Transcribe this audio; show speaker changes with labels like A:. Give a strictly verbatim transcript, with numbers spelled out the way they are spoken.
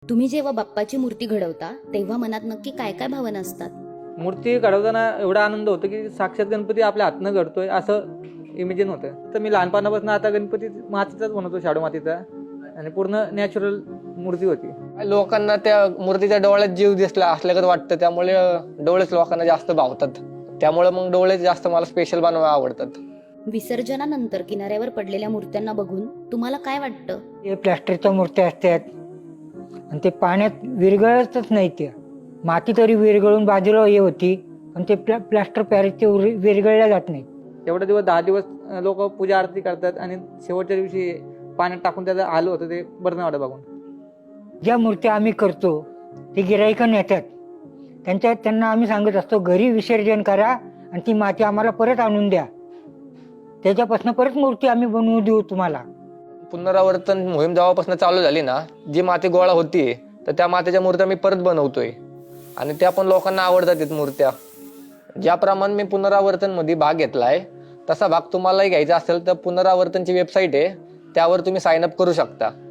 A: तुम्ही जेव्हा बाप्पाची मूर्ती घडवता तेव्हा मनात नक्की काय काय भावना असतात?
B: मूर्ती घडवताना एवढा आनंद होतो की साक्षात गणपती आपल्या हातनं घडतोय असं इमेजिन होतं. तर मी लहानपणापासून आता गणपती मातीचाच बनवतो, शाडू मातीचा, आणि पूर्ण नॅचरल मूर्ती होती.
C: लोकांना त्या मूर्तीच्या डोळ्यात जीव दिसला असल्यागत वाटतं, त्यामुळे डोळेच लोकांना जास्त भावतात. त्यामुळे मग डोळे जास्त मला स्पेशल बनवायला आवडतात.
A: विसर्जनानंतर किनाऱ्यावर पडलेल्या मूर्त्यांना बघून तुम्हाला काय वाटतं?
D: हे प्लॅस्टरच्या मूर्त्या असतात आणि ते पाण्यात विरघळतच नाही. ते माती तरी विरघळून बाजूला हे होती, पण ते प्लॅ प्लॅस्टर पॅरिस ते उर- विरघळल्या जात नाही.
B: एवढे दिवस दहा दिवस लोक पूजा आरती करतात आणि शेवटच्या दिवशी पाण्यात टाकून त्याचं आलं होतं ते बरं नाही वाटत बघून.
D: ज्या मूर्त्या आम्ही करतो ते गिराईकं नेतात, त्यांच्या त्यांना आम्ही सांगत असतो घरी विसर्जन करा आणि ती माती आम्हाला परत आणून द्या, त्याच्यापासून परत मूर्ती आम्ही बनवू देऊ तुम्हाला.
C: पुनरावर्तन मोहीम जेव्हापासून चालू झाली ना, जी माती गोळा होती तर त्या मातीच्या मूर्त्या मी परत बनवतोय आणि त्या पण लोकांना आवडतात आहेत मूर्त्या. ज्याप्रमाणे मी पुनरावर्तन मध्ये भाग घेतलाय तसा भाग तुम्हालाही घ्यायचा असेल तर पुनरावर्तनची वेबसाईट आहे, त्यावर तुम्ही साइन अप करू शकता.